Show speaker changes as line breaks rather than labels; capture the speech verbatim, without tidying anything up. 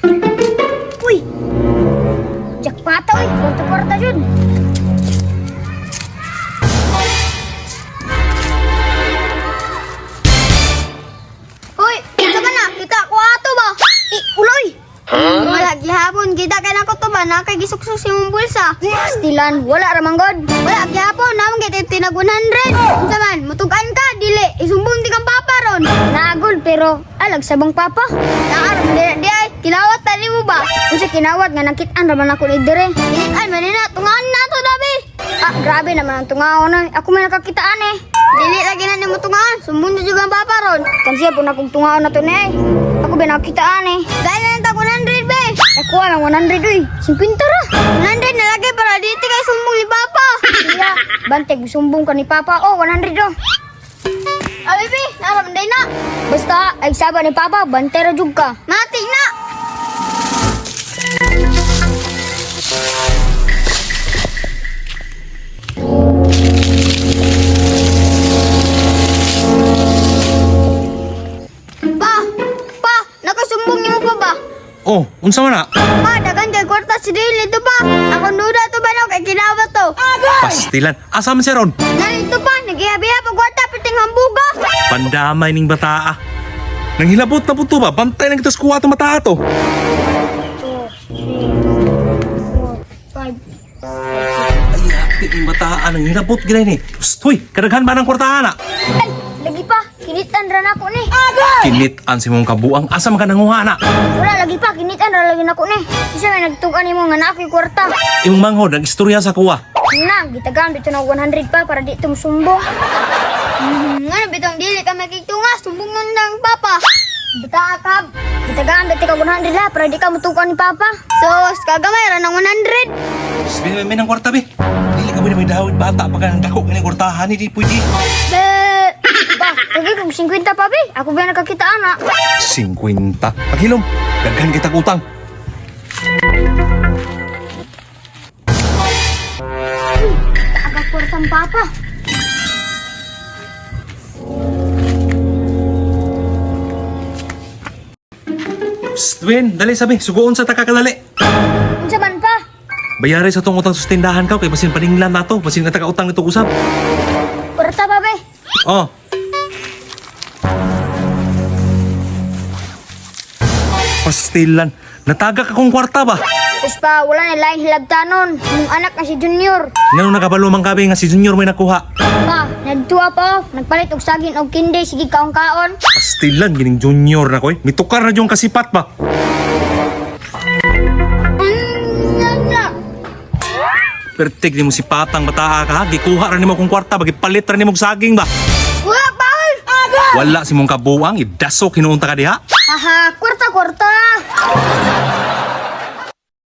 Uy! Jackpata, uy! Kwarta-kwarta yun! Uy! Kita ba na? Kita ko ato ba? Eh, uloy! Wala, gihapon. Kita ka na ko to ba? Nakagisuksus yung bulsa. Stilan, wala ramang god. Wala, gihapon. Naman kita tinag one hundred. Unsa man, mutugan ka, dili. Isumbong di kang papa ron. Nagol, pero alag sabang papa. Naaram, di, di ay. Kinawat tali mo ba? Kung kinawat nga nakitaan raman ako ni dire. Ay, manina, tungaan na to, Dabi. Ah, grabe naman ang tungaon na. Ako may nakakitaan eh. Dili lagi na ni mo tungaan. Sumbong di juga ang papa ron. Kansiya po na kong tungaon na to ni ay. Ako may nakakitaan eh. Gaya na ta one hundred, be. Ako lang one hundred, uy. fifty ra. one hundred na lagi para dito kay sumbong ni papa. Siya, banteg, sumbong ka ni papa. Oh, one hundred oh. Ah, baby, naramanday na. Basta, ay saba ni papa, bantera jug ka. Mati na. Pa, pa, nakasumbong niyo mo pa ba?
Oh, unsa man na?
Pa, dagan kay kwarta si Dili to pa. Ako nuda to ba no kay kinawat to.
Pastilan. Asa man si Ron?
Nalito pa, nagihabiha pa kwarta piting hambuga.
Pandamay ning bataa. Nang hilabot na puto ba? Bantay na kita sa kuha itong mata to.
five.
Ay, hati ning bataa. Nang hilabot gila ni. Hoy, kadaghan ba ng kwartahan na?
Ay, lagi pa, kinitan ra na ko ni.
Kinitan si mong kabuang. Asa man ka nanguha na?
Wala lagi pa, kinitan ra lagi na ko ni. Isa may nagtugan nimo nga na ako'y kwarta.
Imong manghod, ang istorya sa kuha.
Na, gitagaan dito na one hundred pa para di tum sumbong. Hmm, ano bitong dili ka makiktunga, sumbong nun ng papa. Bita akab. Gitagaan dito ka one hundred ha para di ka mutukan ni papa. So, kagamay ra ng one hundred.
Sabi may ng kwarta, be. Dili ka ba may dawit bata pag ang dako ng kwartahan, hindi pwede.
Be, ba, lagi kong fifty pa be. Ako ba nakakita ana?
fifty. Paghilom, daghan kita utang.
Agak kwartang papa.
Psst, Win, dali sabi, sugoon sa takakadali.
Unsa man pa?
Bayari sa tong utang sa tindahan ka, kay basin paninglan na to, basin nga taga-utang nito usap.
Kwarta pa be.
Oh. Pastilan, nataga ka kong kwarta ba?
Tapos pa, wala na laing hilabtanon. Yung anak na si Junior.
Ngano nakabalo man kabe nga si Junior may nakuha.
Pa, nagtuwa pa. Nagpalit og saging og kinde. Sige kaon-kaon.
Pastilan, gining Junior na koy. Mitukar na yung kasipat ba? Pertik ni mo si Patang bataa ka ha. Gikuha ra nimo kong kwarta, bagipalit ra nimo og saging ba?
Wala, Paul!
Wala si mong kabuang, idasok hinuunta ka diha.
Haha, kwarta-kwarta.